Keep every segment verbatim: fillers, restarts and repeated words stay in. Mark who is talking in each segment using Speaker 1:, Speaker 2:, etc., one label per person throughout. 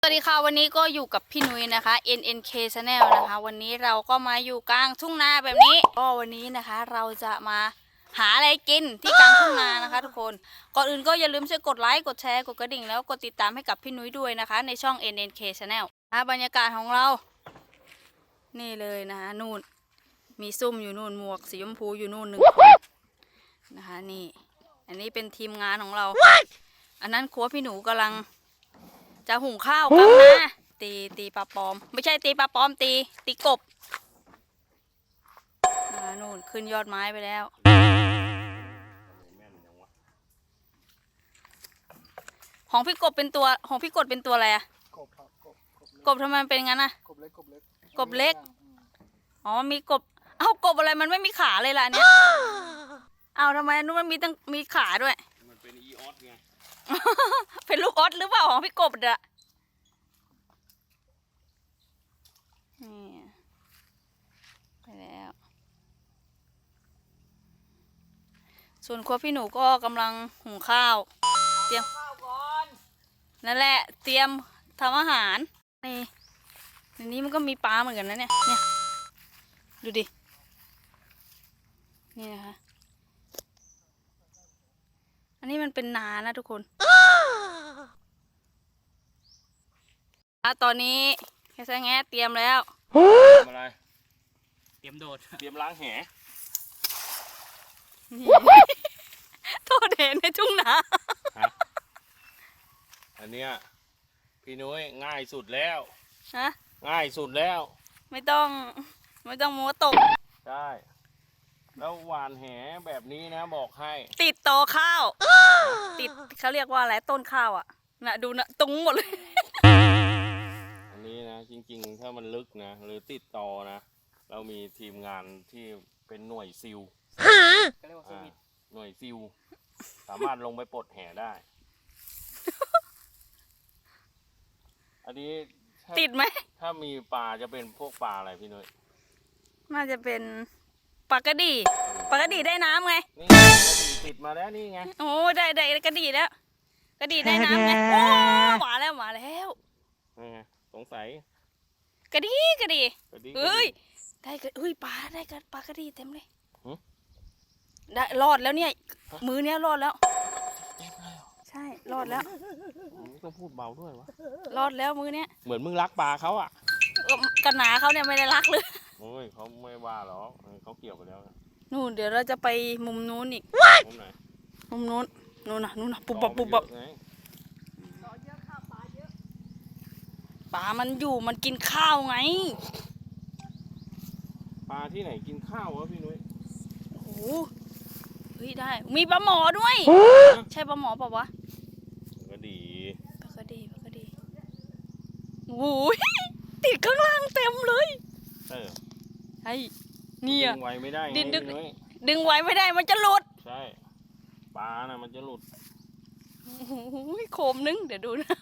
Speaker 1: สวัสดีค่ะวันนี้ก็อยู่กับพี่นุ้ยนะคะ เอ็น เอ็น เค Channel นะคะวันนี้เราก็มาอยู่กลางทุ่งนาแบบนี้ก็วันนี้นะคะเราจะมาหาอะไรกินที่กลางทุ่งนานะคะทุกคนก่อนอื่นก็อย่าลืมช่วยกดไลค์กดแชร์กดกระดิ่งแล้วกดติดตามให้กับพี่นุ้ยด้วยนะคะในช่อง เอ็น เอ็น เค Channel นะบรรยากาศของเรานี่เลยนะคะนู่นมีซุ่มอยู่นู่นหมวกสีชมพูอยู่นู่นหนึ่งคนนะคะนี่อันนี้เป็นทีมงานของเรา อันนั้นครัวพี่หนูกำลังจะหุงข้าวกันนะตีตีปลาปอมไม่ใช่ตีปลาปอมตีตีกบอ่านู่นขึ้นยอดไม้ไปแล้วของพี่กบเป็นตัวของพี่กดเป็นตัวอะไรอะ
Speaker 2: กบครับกบ
Speaker 1: กบทำไมมันเป็นงั้นอะ
Speaker 2: กบเล็กกบเล็ก
Speaker 1: กบเล็กอ๋อมีกบเอ้ากบอะไรมันไม่มีขาเลยล่ะเนี่ยเอาทำไมนู้นมันมีตั้งมีขาด้วย
Speaker 3: มันเป็นอีออสไง
Speaker 1: เป็นลูกออสหรือเปล่าของพี่กบอะนี่ไปแล้วส่วนครัวพี่หนูก็กำลังหุงข้าวเตรียมนั่นแหละเตรียมทำอาหารนี่ในนี้มันก็มีปลาเหมือนกันนะเนี่ยเนี่ยดูดินี่นะคะอันนี้มันเป็นนานะทุกคนตอนนี้แค่แง่เตรียมแล้ว
Speaker 3: ทำอะไรเตรียมโดดเตรียมล้างแห
Speaker 1: โทษเห็นในทุ่งนา
Speaker 3: อันเนี้ยพี่นุ้ยง่ายสุดแล้ว
Speaker 1: ฮะ
Speaker 3: ง่ายสุดแล้ว
Speaker 1: ไม่ต้องไม่ต้องมัวตก
Speaker 3: ใช่แล้วหวานแหแบบนี้นะบอกให้
Speaker 1: ติดตอข้าวติดเขาเรียกว่าอะไรต้นข้าวอ่ะน่ะดูนะตรงหมดเลย
Speaker 3: อันนี้นะจริงๆถ้ามันลึกนะหรือติดตอนะเรามีทีมงานที่เป็นหน่วยซิลหน่วยซิลสามารถลงไปปลดแหได้อันนี้
Speaker 1: ติดไหม
Speaker 3: ถ้ามีปลาจะเป็นพวกปลาอะไรพี่นุ้ย
Speaker 1: น่าจะเป็นปลากระดีปลากระดีได้น้ำไง
Speaker 3: นี่กระดีติดมาแล้วนี่ไง
Speaker 1: โอ้ได้ได้กระดีแล้วกระดีได้น้ำไงโอ้มาแล้วมาแล้ว
Speaker 3: นี่ไงสงสัย
Speaker 1: กระดีกระดีเฮ้ยได้กระเฮ้ยปลาได้กระปลากระดีเต็มเลยได้รอดแล้วเนี่ยมือเนี้ยรอดแล้วใช่รอดแล้ว
Speaker 3: ต้องพูดเบาด้วยวะ
Speaker 1: รอดแล้วมือเนี้ย
Speaker 3: เหมือนมึงรักปลาเขาอ่ะ
Speaker 1: กระหนาเขาเนี่ยไม่ได้รักเลย
Speaker 3: โอ้ยเขาไม่ว่าหรอกเขาเกี่ยวไปแล้ว
Speaker 1: นู่นเดี๋ยวเราจะไปมุมนู้นอีก
Speaker 3: มุมไหน
Speaker 1: มุมนู้นนู้นนะนู้นนะปุบปับปุบปับปลามันอยู่มันกินข้าวไง
Speaker 3: ปลาที่ไหนกินข้าววะพี่นุ้ย
Speaker 1: โอ้โหเฮ้ยได้มีปลาหมอด้วยใช่ปลาหมอเปล่าวะ
Speaker 3: ก็ดี
Speaker 1: ก็ดีก็ดีโอ้ยติดข้างล่างเต็มเลย
Speaker 3: เออ
Speaker 1: ไอ้เนี่ย
Speaker 3: ดึงไว้ไม่ได้
Speaker 1: ดึงดึงดึงไว้ไม่ได้มันจะหลุด
Speaker 3: ใช่ปลาน่ะมันจะหลุด
Speaker 1: โอ้ยโคมนึงเดี๋ยวดูนะ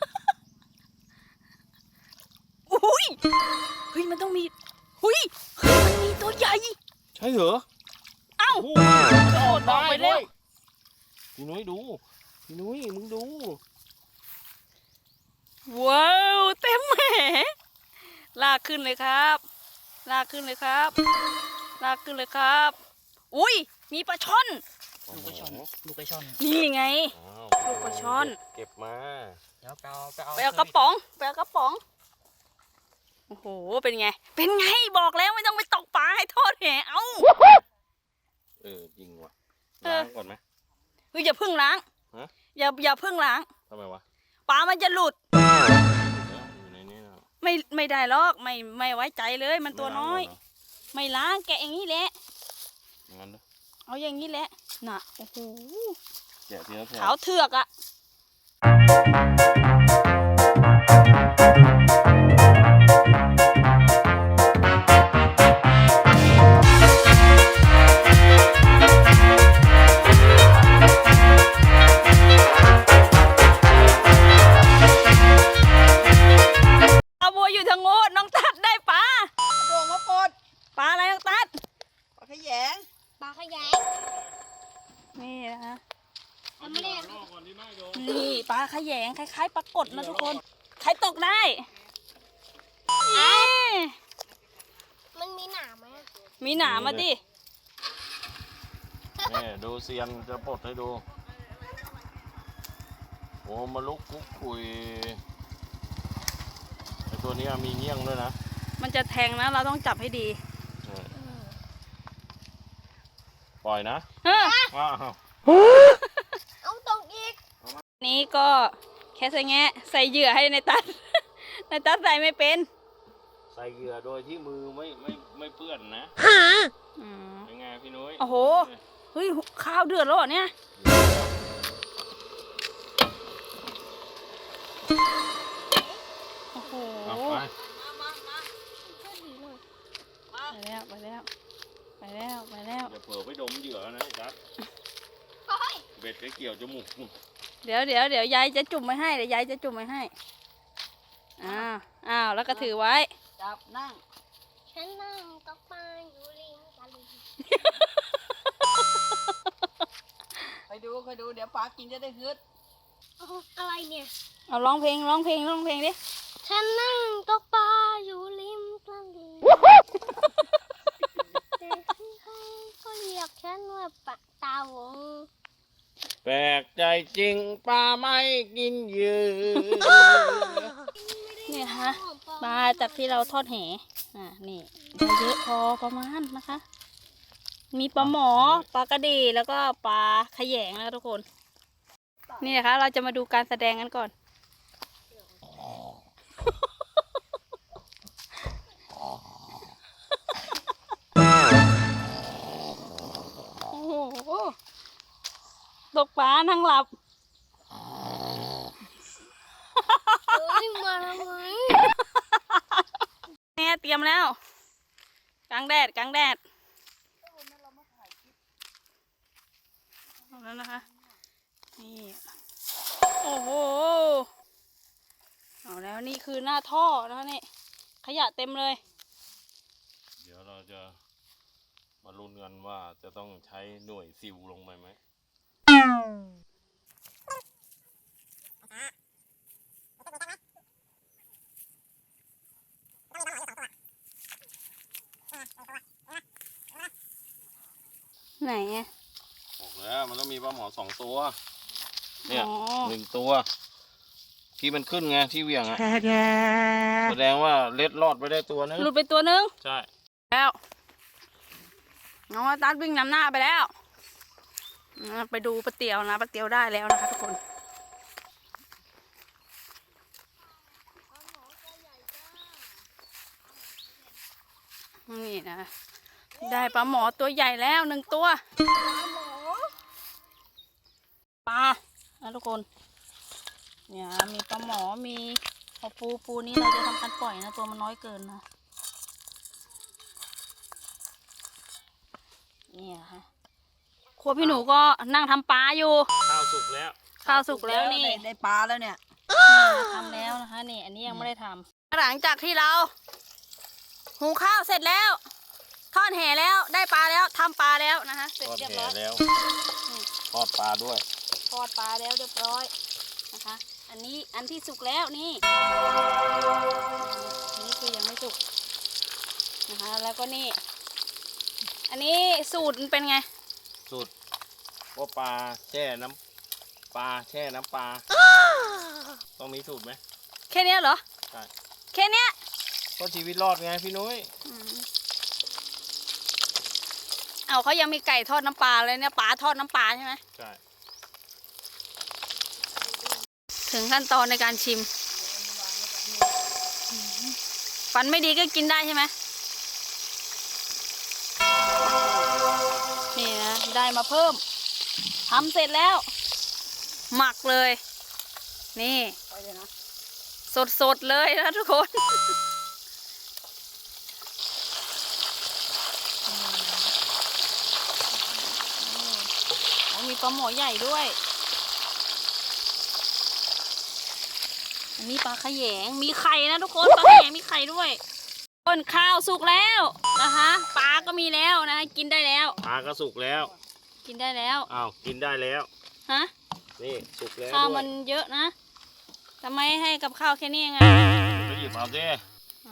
Speaker 1: อุ้ยเฮ้ยมันต้องมีหุ้ยมันมีตัวใหญ่
Speaker 3: ใช่เหรอ
Speaker 1: เอ้าโดดออกไปแล้ว
Speaker 3: พี่นุ้ยดูพี่นุ้ยมึงดู
Speaker 1: ว้าวเต็มแหมลากขึ้นเลยครับลากขึ้นเลยครับลากขึ้นเลยครับอุ้ยมีปลาช่อน
Speaker 2: ลูกปลาช่อนลูกปลาช่อน
Speaker 1: นี่ไงลูกปลาช่อน
Speaker 3: เก็บมา
Speaker 2: แล้วไปเอาไปเอา
Speaker 1: ไปเอากระป๋องไปเอากระป๋องโอ้โหเป็นไงเป็นไงบอกแล้วไม่ต้องไปตกปลาให้โทษแหเอ้า
Speaker 3: เออจริงว่ะล้างก่อนไหม
Speaker 1: เฮ้ยอย่าพึ่งล้างอย่าอย่าพึ่งล้าง
Speaker 3: ทำไมวะ
Speaker 1: ปลามันจะหลุดไม่ไม่ได้หรอกไม่ไม่ไว้ใจเลยมันตัวน้อยไม่ล้างแกะอย่างนี้แหละเอาอย่างนี้แหละน่ะโอ้โหขาวเถือกอ่ะนี่นะคะนี่ปลาขยงคล้ายๆปลากดนะทุกคนใครตกได้เอ๊ะ
Speaker 4: มันมีหนามไหม
Speaker 1: มีหนามมาดิ
Speaker 3: นี่ดูเซียนจะปลดให้ดูโอ้มาลุกคุกคุยไอตัวนี้มีเงี้ยงด้วยนะ
Speaker 1: มันจะแทงนะ เราต้องจับให้ดี
Speaker 3: ปล่อยนะ
Speaker 1: เฮ้อ
Speaker 3: ว้าว
Speaker 4: เอาตกอีก
Speaker 1: นี้ก็แค่ใส่แงะใส่เหยื่อให้ในตัด ในตัดใส่ไม่เป็น
Speaker 3: ใส่เหยื่อโดยที่มือไม่ไม่ไม่เปื้อนนะ
Speaker 1: อืม
Speaker 3: เป็นไงพี่นุ้ย
Speaker 1: โอ้โห เฮ้ยข้าวเดือดแล้วเหรอเนี่ย โอ้โห
Speaker 3: เอาไป
Speaker 1: ไปแล้วไปแล้วไปแล้วไปแล้ว
Speaker 3: อย่าเผลอไปดมเหยื่อนะไอ้จัดเบ็ดไปเกี่ยวจมูก
Speaker 1: เดี๋ยวเดี๋ยวเดี๋ยวยายจะจุ่มไว้ให้เดี๋ยวยายจะจุ่มไว้ให้ อ้าว อ้าว แล้วก็ถือไว้
Speaker 2: จับนั่ง
Speaker 4: ฉันนั่งตกปลาอยู่ริมตลิ่ง
Speaker 2: ไปดูไปดูเดี๋ยวปลากินจะได้ฮึด
Speaker 4: เอาอะไรเนี่ย
Speaker 1: เอาร้องเพลงร้องเพลงร้องเพลงดิ
Speaker 4: ฉันนั่งตกปลาอยู่ริมตลิ่งแต่ใครๆก็เรียกฉันว่าปลาตาวง
Speaker 3: แปลกใจจริงปลาไม่กินเหยื่อ
Speaker 1: เนี่ยฮะปลาจากที่เราทอดแหอ่านี่มันเยอะพอประมาณนะคะ มีปลาหมอ ปลากระดีแล้วก็ปลาขยงนะคะทุกคน นี่นะคะ เราจะมาดูการแสดงกันก่อน โอ้โหตกปลานั่งหลับ
Speaker 4: เฮ้ยมาทำไม
Speaker 1: เนี่ยเตรียมแล้วกลางแดดกลางแดดเอาแล้วนะคะนี่โอ้โหเอาแล้วนี่คือหน้าท่อนะคะนี่ขยะเต็มเลย
Speaker 3: เดี๋ยวเราจะมาลุ้นกันว่าจะต้องใช้หน่วยซิลลงไปไหม
Speaker 1: ไหนอะ
Speaker 3: บอกแล้วมันต้องมีปลาหมอสองตัว เนี่ย
Speaker 1: อ๋อ
Speaker 3: หนึ่งตัว ที่มันขึ้นไงที่เหวี่ยงอะแสดงว่าเล็ดรอดไปได้ตัวนึง
Speaker 1: หลุดไปตัวนึง
Speaker 3: ใช่
Speaker 1: แล้วน้องตัดวิ่งนำหน้าไปแล้วอ่าไปดูปลาเตียวนะปลาเตียวได้แล้วนะคะทุกคนนี่นะได้ปลาหมอตัวใหญ่แล้วหนึ่งตัวปลานะทุกคนเนี่ยมีปลาหมอมีพอปูปูนี้เราจะทำการปล่อยนะตัวมันน้อยเกินนะนี่ฮะครัวพี่หนูก็นั่งทำปลาอยู่
Speaker 3: ข้าวสุกแล้ว
Speaker 1: ข้าวสุกแล้วนี่
Speaker 2: ได้ได้ปลาแล้วเนี่ย
Speaker 1: ทำแล้วนะคะนี่อันนี้ยังไม่ได้ทำหลังจากที่เราหุงข้าวเสร็จแล้วทอดแห่แล้วได้ปลาแล้วทำปลาแล้วนะคะเสร็จ
Speaker 3: ทอด
Speaker 1: เรียบ
Speaker 3: แห่
Speaker 1: ร้อย
Speaker 3: แล้วทอดปลาด้วย
Speaker 1: ทอดปลาแล้วเรียบร้อยนะคะ อันนี้อันที่สุกแล้วนี่อันนี้คือยังไม่สุกนะคะแล้วก็นี่ อันนี้สูตรมันเป็นไง
Speaker 3: สุดว่าปลาแช่น้ำปลาแช่น้ำปลาต้องมีสูตรไหม
Speaker 1: แค่เนี้ยเหรอ
Speaker 3: ใช่
Speaker 1: แค่เนี้ย
Speaker 3: ก็ชีวิตรอดไงพี่นุ้ย
Speaker 1: อืมเอาเขายังมีไก่ทอดน้ำปลาเลยเนี่ยปลาทอดน้ำปลาใช่ไหม
Speaker 3: ใช่
Speaker 1: ถึงขั้นตอนในการชิมฟันไม่ดีก็กินได้ใช่ไหมนี่นะได้มาเพิ่มทำเสร็จแล้ว หมักเลย นี่
Speaker 2: ไปเลยนะ
Speaker 1: สดๆเลยนะทุกคน มีปลาหมอใหญ่ด้วย อันนี้ปลาขยง มีไข่นะทุกคน ปลาขยงมีไข่ด้วยต้นข้าวสุกแล้วนะคะ ปลาก็มีแล้วนะ กินได้แล้ว
Speaker 3: ปลาก็สุกแล้ว
Speaker 1: กินได้แล้ว
Speaker 3: อ้าวกินได้แล้ว
Speaker 1: ฮะ
Speaker 3: นี่สุกแล้ว
Speaker 1: ข้าว
Speaker 3: ด้ว
Speaker 1: มั
Speaker 3: ย
Speaker 1: นเยอะนะทำไมให้กับข้าวแค่นี้ยังไง
Speaker 3: ก็หยิบเอาสิ
Speaker 1: อ๋อ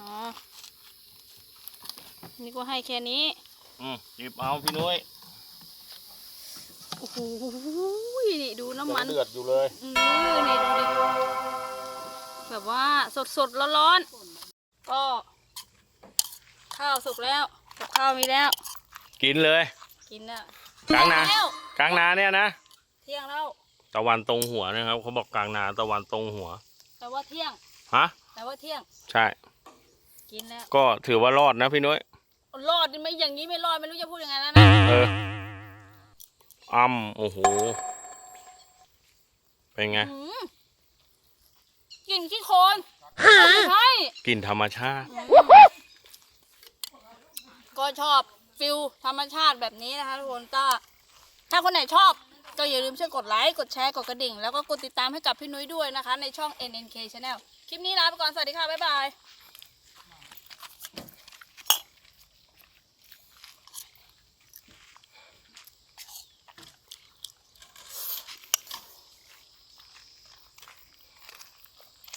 Speaker 1: นี่ก็ให้แค่นี้
Speaker 3: อืมหยิบเอาพี่นุ้ย
Speaker 1: โอ้โห นี่ดูน้ำมัน
Speaker 3: ยังเดือดอยู่เลย
Speaker 1: อือนี่ดูดิ แบบว่าสดสดร้อนร้อนๆ ก็ข้าวสุกแล้ว กับข้าวมีแล้ว
Speaker 3: กินเลย
Speaker 1: กินแล้ว
Speaker 3: กลางนา
Speaker 1: แล้ว
Speaker 3: กลางนาเนี่ยนะ
Speaker 1: เที่ยงแล้ว
Speaker 3: ตะวันตรงหัวนะครับเขาบอกกลางนาตะวันตรงหัว
Speaker 1: แต่ว่าเที่ยง
Speaker 3: ฮะ
Speaker 1: แต่ว่าเที่ยง
Speaker 3: ใช่
Speaker 1: กินแล้ว
Speaker 3: ก็ถือว่ารอดนะพี่นุ้ย
Speaker 1: รอดนี่ไม่อย่างนี้ไม่รอดไม่รู้จะพูดยังไงแล้วนะ
Speaker 3: เอออ้ำโอ้โห เป็นไง
Speaker 1: อืมกลิ่นขี้โคลนไม่ใช่
Speaker 3: กลิ่นธรรมชาติ
Speaker 1: ก็ชอบฟิลธรรมชาติแบบนี้นะคะทุกคนก็ถ้าคนไหนชอบก็อย่าลืมช่วยกดไลค์กดแชร์กดกระดิ่ง แล้วก็กดติดตามให้กับพี่นุ้ยด้วยนะคะ ในช่อง เอ็น เอ็น เค Channel คลิปนี้ลาไปก่อน สวัสดีค่ะ บ๊ายบาย